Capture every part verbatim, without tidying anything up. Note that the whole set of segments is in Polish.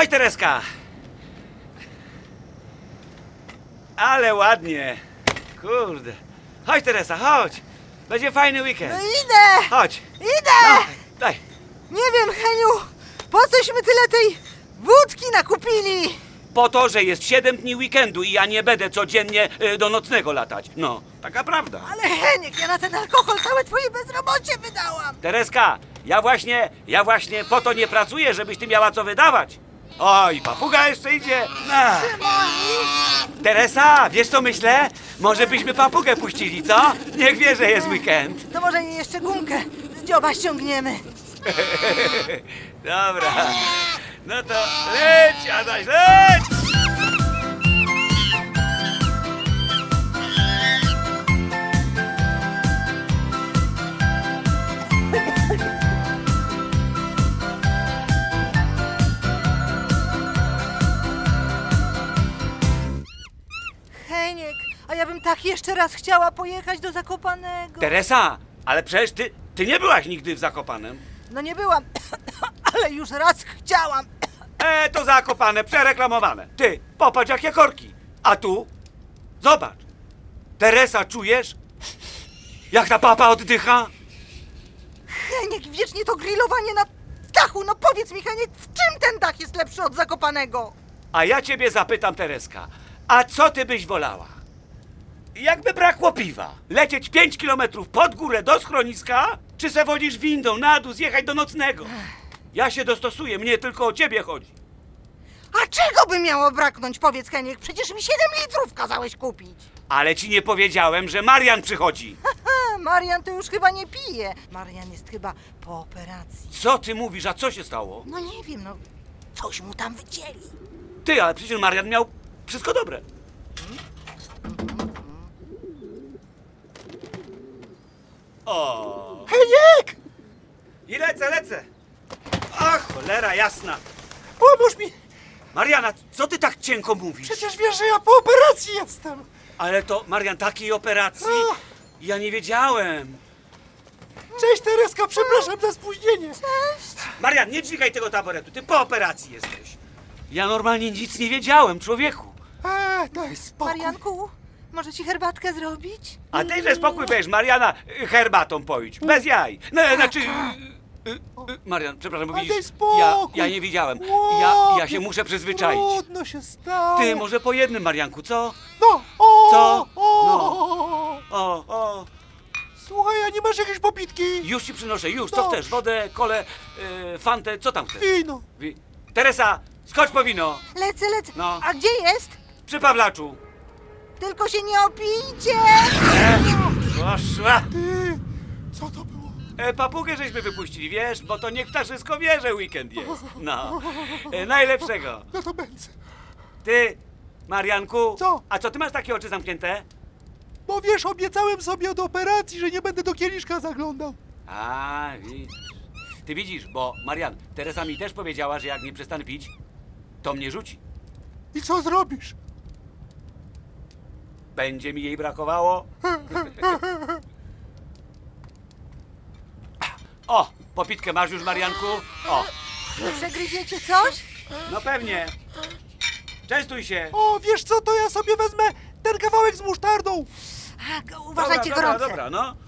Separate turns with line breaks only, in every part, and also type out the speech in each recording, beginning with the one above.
Chodź, Tereska! Ale ładnie. Kurde. Chodź, Teresa, chodź. Będzie fajny weekend.
No idę!
Chodź.
Idę!
No, daj.
Nie wiem, Heniu, po cośmy tyle tej wódki nakupili?
Po to, że jest siedem dni weekendu i ja nie będę codziennie y, do nocnego latać. No, taka prawda.
Ale Heniek, ja na ten alkohol całe twoje bezrobocie wydałam.
Tereska, ja właśnie, ja właśnie po to nie pracuję, żebyś ty miała co wydawać. Oj, papuga jeszcze idzie. No. Teresa, wiesz co myślę? Może byśmy papugę puścili, co? Niech wie, że jest weekend.
To może jej jeszcze gumkę z dzioba ściągniemy.
Dobra. No to leć, Adaś, leć!
Heniek, a ja bym tak jeszcze raz chciała pojechać do Zakopanego.
Teresa, ale przecież ty, ty nie byłaś nigdy w Zakopanem.
No nie byłam, ale już raz chciałam.
E, to Zakopane, przereklamowane. Ty, popatrz jakie korki. A tu? Zobacz. Teresa, czujesz? Jak ta papa oddycha?
Heniek, wiecznie to grillowanie na dachu. No powiedz mi, Heniek, w czym ten dach jest lepszy od Zakopanego?
A ja ciebie zapytam, Tereska, a co ty byś wolała? Jakby brakło piwa, lecieć pięć kilometrów pod górę do schroniska, czy se wodzisz windą na dół, zjechać do nocnego? Ja się dostosuję, mnie tylko o ciebie chodzi.
A czego by miało braknąć, powiedz, Heniek? Przecież mi siedem litrów kazałeś kupić.
Ale ci nie powiedziałem, że Marian przychodzi.
Haha, Marian to już chyba nie pije. Marian jest chyba po operacji.
Co ty mówisz, a co się stało?
No nie wiem, no coś mu tam wycięli.
Ty, ale przecież Marian miał wszystko dobre. O!
Heniek!
I lecę, lecę! Ach, cholera jasna!
Pomóż mi!
Mariana, co ty tak cienko mówisz?
Przecież wiesz, że ja po operacji jestem!
Ale to, Marian, takiej operacji?
Ach.
Ja nie wiedziałem.
Cześć Tereska, przepraszam za spóźnienie!
Marian, nie dźwigaj tego taboretu, ty po operacji jesteś. Ja normalnie nic nie wiedziałem, człowieku.
Eee, daj spokój.
Marianku, może ci herbatkę zrobić?
A tyże spokój będziesz, Mariana, y, herbatą poić, bez jaj. No, znaczy... y, y, y, Marian, przepraszam, bo
A
widzisz,
daj spokój.
ja, ja nie widziałem. Ja, ja się muszę przyzwyczaić.
Trudno się stało.
Ty, może po jednym, Marianku, co?
No, o,
Co?
O,
No. O, o,
Słuchaj, a nie masz jakiejś popitki?
już ci przynoszę, już, co
Dobrze.
chcesz? Wodę, kolę, y, fantę, co tam chcesz?
Wino.
Wi- Teresa, skocz po wino,
Lecę, lecę.
No.
A gdzie jest?
przy Pawlaczu.
Tylko się nie opijcie!
Poszła.
Ty, co to było?
E, papugę żeśmy wypuścili, wiesz, bo to niech ptaszysko wie, że weekend jest. No, e, najlepszego.
No to będzie.
Ty, Marianku.
Co?
A co, ty masz takie oczy zamknięte?
Bo wiesz, obiecałem sobie od operacji, że nie będę do kieliszka zaglądał.
A, widzisz. Ty widzisz, bo Marian, Teresa mi też powiedziała, że jak nie przestanę pić, to mnie rzuci.
I co zrobisz?
Będzie mi jej brakowało. O, popitkę masz już, Marianku? O,
Przegryziecie coś?
no pewnie. Częstuj się.
O, wiesz co, to ja sobie wezmę ten kawałek z musztardą.
A, go- uważajcie,
dobra,
gorące.
Dobra, dobra, no.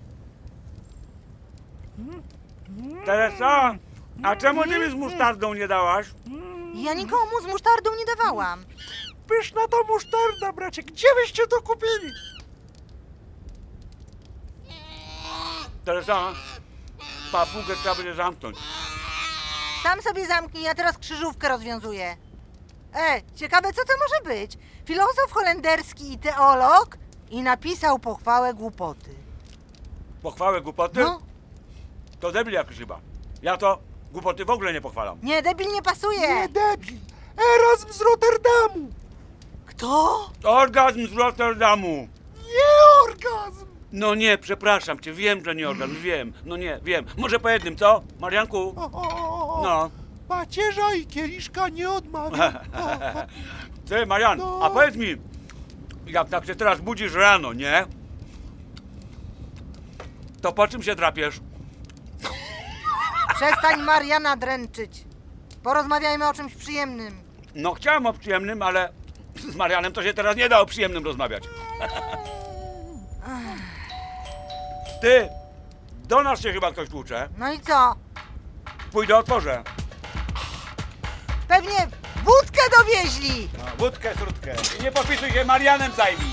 Teresa, a czemu ty mi z musztardą nie dałaś?
Ja nikomu z musztardą nie dawałam.
Pyszna ta musztarda, bracie. Gdzie wyście to kupili?
Teresa, papugę trzeba będzie zamknąć.
Sam sobie zamknij, ja teraz krzyżówkę rozwiązuję. E, ciekawe co to może być? Filozof holenderski i teolog i napisał pochwałę głupoty.
Pochwałę głupoty?
No,
To debil jakiś chyba. Ja to głupoty w ogóle nie pochwalam.
nie, debil nie pasuje.
Nie, debil. Erasm z Rotterdamu.
Kto?
Orgazm z Rotterdamu.
Nie orgazm.
No nie, przepraszam cię, wiem, że nie orgazm, wiem. No nie, wiem. Może po jednym, co? Marianku?
O, o, o, o.
No.
Pacierza i kieliszka nie odmawia. O, o.
Ty, Marian,
No.
a powiedz mi, jak tak się teraz budzisz rano, nie? To po czym się drapiesz?
Przestań Mariana dręczyć. Porozmawiajmy o czymś przyjemnym.
No chciałem o przyjemnym, ale z Marianem to się teraz nie da o przyjemnym rozmawiać. Ty, do nas się chyba ktoś tłucze.
No i co?
Pójdę, otworzę.
Pewnie wódkę dowieźli!
No, wódkę, srutkę. I nie podpisuj się, Marianem zajmij.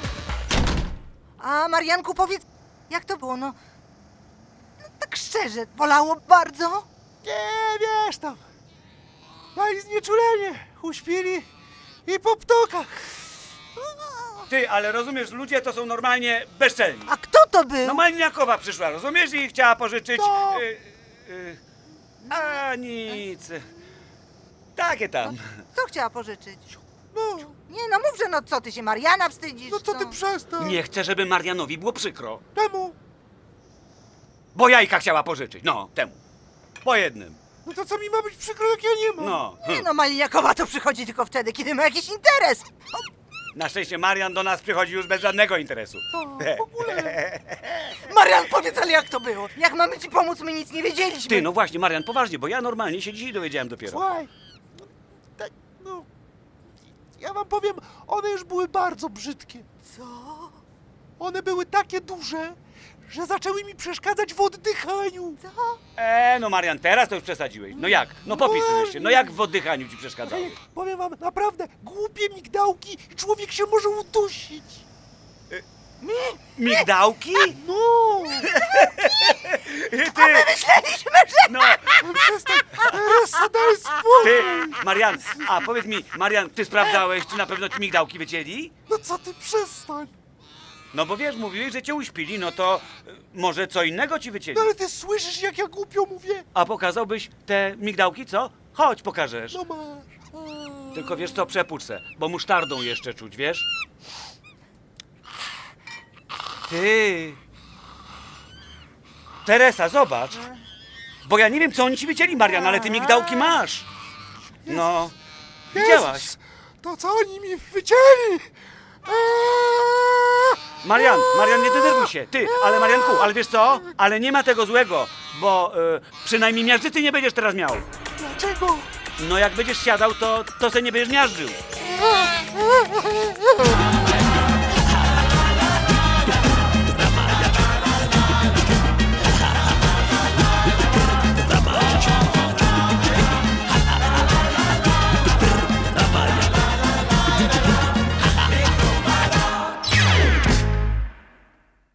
A Marianku, powiedz, jak to było, no... no tak szczerze, bolało bardzo?
Nie, wiesz tam. Dali znieczulenie. Uśpili i po ptokach.
Ty, ale rozumiesz, ludzie to są normalnie bezczelni.
A kto to był?
No Maliniakowa przyszła, rozumiesz? I chciała pożyczyć...
No.
Y, y, a nic. Takie tam.
Co chciała pożyczyć?
No,
Nie no, mów, że no co, ty się Mariana wstydzisz?
no co ty przestań.
Nie chcę, żeby Marianowi było przykro.
Czemu?
Bo jajka chciała pożyczyć. No, temu. Po jednym.
No to co mi ma być przykro, jak ja nie mam?
No.
Nie no, Maliniakowa to przychodzi tylko wtedy, kiedy ma jakiś interes.
Na szczęście Marian do nas przychodzi już bez żadnego interesu.
To w ogóle.
Marian, powiedz, ale jak to było? Jak mamy ci pomóc, my nic nie wiedzieliśmy.
Ty, no właśnie, Marian, poważnie, bo ja normalnie się dzisiaj dowiedziałem dopiero.
Słuchaj. No, tak, no. Ja wam powiem, one już były bardzo brzydkie.
Co?
One były takie duże, że zaczęły mi przeszkadzać w oddychaniu.
Co?
E, no Marian, teraz to już przesadziłeś. No jak? No popisujesz się. No jak w oddychaniu ci przeszkadzały?
Ej, powiem wam, naprawdę, głupie migdałki i człowiek się może udusić.
Migdałki?
No,
Ty,
Myśleliśmy, że...
no,
no przestań, Teresa, daj spokój.
ty, Marian, a powiedz mi, Marian, ty sprawdzałeś, czy na pewno ci migdałki wycięli?
No co ty, przestań.
No bo wiesz, mówiłeś, że cię uśpili, no to y, może co innego ci wycięli.
No ale ty słyszysz, jak ja głupio mówię?
A pokazałbyś te migdałki, co? Chodź, pokażesz.
No masz. A.
Tylko wiesz co, przepuść se, bo musztardą jeszcze czuć, wiesz? Ty! Teresa, zobacz! Bo ja nie wiem, co oni ci wycięli, Marian, ale ty migdałki masz! No, widziałaś?
Jezus, to co oni mi wycięli? Eee!
Marian, Marian, nie denerwuj się, ty, ale Marianku, ale wiesz co? Ale nie ma tego złego, bo y, przynajmniej miażdżycy nie będziesz teraz miał.
Dlaczego?
No jak będziesz siadał, to, to se nie będziesz miażdżył.
Eee!